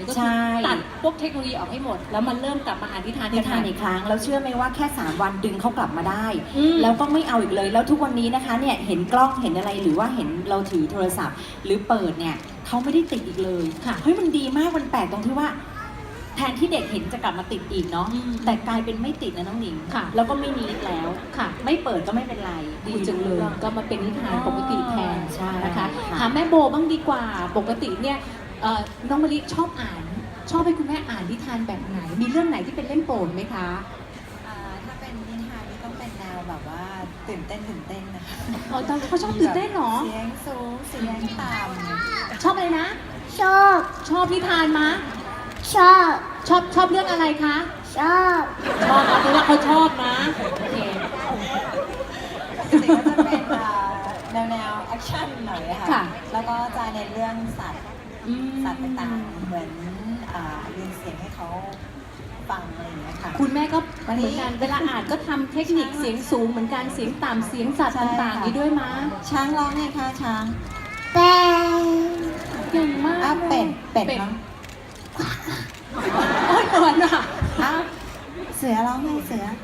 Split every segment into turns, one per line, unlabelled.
เลยก็
ใช่
คือตัดพวกเทคโนโลยีออกให้หมด แล้วมันเริ่มกลับมาอ่านนิทาน
นิทานอีกครั้งแล้วเชื่อไหมว่าแค่3 วันดึงเขากลับมาได้
อืม
แล้วก็ไม่เอาอีกเลยแล้วทุกวันนี้นะคะเนี่ยเห็นกล้องเห็นอะไรหรือว่าเห็นเราถือโทรศัพท์ หรือเปิดเนี่ยเขาไม่ได้ติดอีกเลย
ค่ะ
เฮ้ยมันดีมากมันแปลกตรงที่ว่า แทนที่เด็กเห็นจะกลับมาติดอีกเนาะ
อืม
แต่กลายเป็นไม่ติดนะน้องหนิง
ค่ะ
แล้วก็ไม่นิดแล้ว
ค่ะ
ไม่เปิดก็ไม่เป็นไร
ดีจังเลย ก็มาเป็นนิทานปกติแทน
ใช่
นะคะ
ค่ะ
ถามแม่โบบ้างดีกว่า ปกติเนี่ยน้องมะลิชอบอ่าน ชอบให้คุณแม่อ่านนิทานแบบไหน มีเรื่องไหนที่เป็นเล่มโปรดไหมคะ
ถ้าเป็นนิทานนี่ต้องเป็นแนวแบบว่าตื่นเต้นนะคะ
อ๋อตอนเขาชอบตื่นเต้นเหรอ
เสียงสูงเสียงต่
ชอบอะไรนะ
ชอบ
ชอบนิทานมะ
ชอบ
ชอบเรื่องอะไรคะ
ชอบ
ชอบเอาเป็นว่าเขาชอบนะโอเค
ำจริงๆก็จะเป็นแนวแอคชั่นหน่อยอะ
ค่ะ
ค่ะ แล้วก็จะเน้นเรื่องสัตว์
อืม
สัตว์ต่างๆเหมือนเรียนเสียงให้เขาฟังอะไรอย่างเงี้ยค่ะ
คุณแม่ก็เหมือนกันเวลาอ่านก็ทำเทคนิคเสียงสูงเหมือนกันเสียงต่ำเสียงสัตว์ต่างๆนี้ด้วยมะ
ช้างร้องไงคะช้าง
แป้ง
เก่งมาก
อ้าวเป็ดร้อง
โอ้ยเหมือนอ่ะ
อ้าวเสือร้องไงเสือ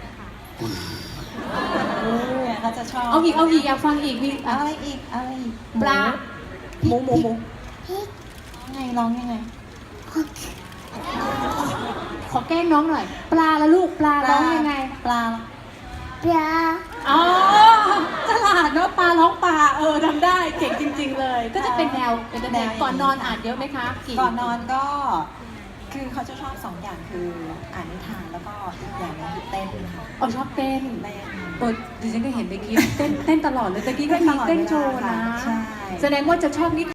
เขาจะชอบ
เอาอีกอยากฟังอีกมี
เอาอะไรอีกเอาอะไรอีก
ปลาหมู
ร้องยังไง
ขอแกล้งน้องหน่อย ปลาละลูกปลาร้องยังไง
ปลา
ปลา
อ๋อฉลาดเนาะปลาร้องปลาทำได้เก่งจริง ๆ เลย ก็จะเป็นแนวก่อนนอนอ่านเยอะไหมคะกี่
ก่อนนอนก็คือเขาจะชอบ2 อย่างคืออ่านนิทานแล้วก็อีกอย่างหนึงคือเต้นค่ะ
อ๋อชอบเต้น
เต้น
ดิฉันก็เห็นเมื่อกี้เต้นตลอดเลยตะกี้ก็มีเต้นโชว์นะ
ใช่
แสดงว่าจะชอบนิ